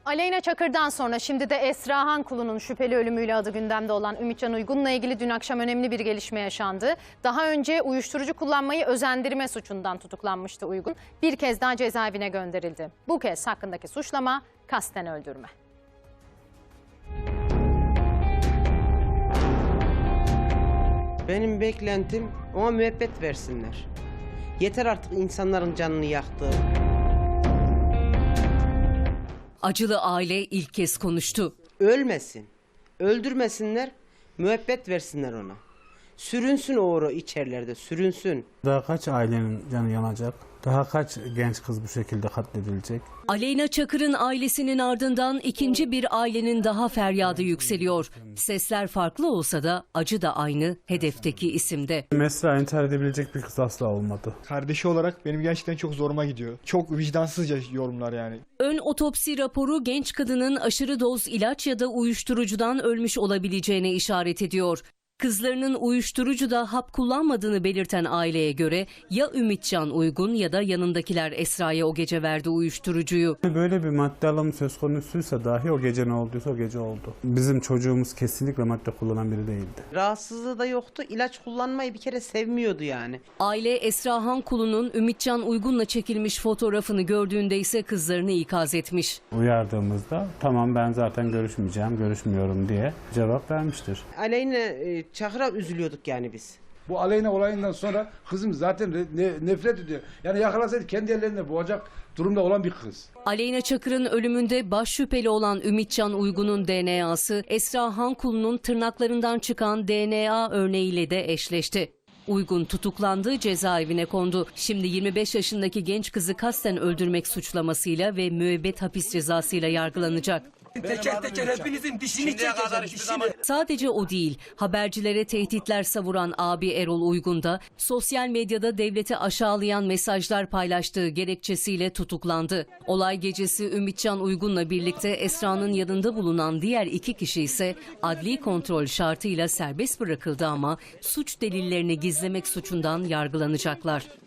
Aleyna Çakır'dan sonra şimdi de Esra Hankulu'nun şüpheli ölümüyle adı gündemde olan Ümitcan Uygun'la ilgili dün akşam önemli bir gelişme yaşandı. Daha önce uyuşturucu kullanmayı özendirme suçundan tutuklanmıştı Uygun. Bir kez daha cezaevine gönderildi. Bu kez hakkındaki suçlama kasten öldürme. Benim beklentim ona müebbet versinler. Yeter artık insanların canını yaktı. Acılı aile ilk kez konuştu. Ölmesin, öldürmesinler, müebbet versinler ona. Sürünsün o içerilerde, sürünsün. Daha kaç ailenin canı yanacak? Daha kaç genç kız bu şekilde katledilecek? Aleyna Çakır'ın ailesinin ardından ikinci bir ailenin daha feryadı yükseliyor. Sesler farklı olsa da acı da aynı hedefteki isimde. Esra intihar edebilecek bir kız asla olmadı. Kardeşi olarak benim gerçekten çok zoruma gidiyor. Çok vicdansızca yorumlar yani. Ön otopsi raporu genç kadının aşırı doz ilaç ya da uyuşturucudan ölmüş olabileceğine işaret ediyor. Kızlarının uyuşturucuda hap kullanmadığını belirten aileye göre ya Ümitcan Uygun ya da yanındakiler Esra'ya o gece verdi uyuşturucuyu. Böyle bir madde alımı söz konusuysa dahi o gece ne olduysa o gece oldu. Bizim çocuğumuz kesinlikle madde kullanan biri değildi. Rahatsızlığı da yoktu, ilaç kullanmayı bir kere sevmiyordu yani. Aile Esra Hankulu'nun Ümitcan Uygun'la çekilmiş fotoğrafını gördüğünde ise kızlarını ikaz etmiş. Uyardığımızda tamam ben zaten görüşmeyeceğim, görüşmüyorum diye cevap vermiştir. Aleyna Çakır'a üzülüyorduk yani biz. Bu Aleyna olayından sonra kızım zaten nefret ediyor. Yani yakalasaydı kendi ellerinde boğacak durumda olan bir kız. Aleyna Çakır'ın ölümünde baş şüpheli olan Ümitcan Uygun'un DNA'sı Esra Hankulu'nun tırnaklarından çıkan DNA örneğiyle de eşleşti. Uygun tutuklandı, cezaevine kondu. Şimdi 25 yaşındaki genç kızı kasten öldürmek suçlamasıyla ve müebbet hapis cezasıyla yargılanacak. Teker teker hepinizin dişini çekeceğim, dişini. Sadece o değil, habercilere tehditler savuran abi Erol Uygun da sosyal medyada devleti aşağılayan mesajlar paylaştığı gerekçesiyle tutuklandı. Olay gecesi Ümitcan Uygun'la birlikte Esra'nın yanında bulunan diğer iki kişi ise adli kontrol şartıyla serbest bırakıldı ama suç delillerini gizlemek suçundan yargılanacaklar.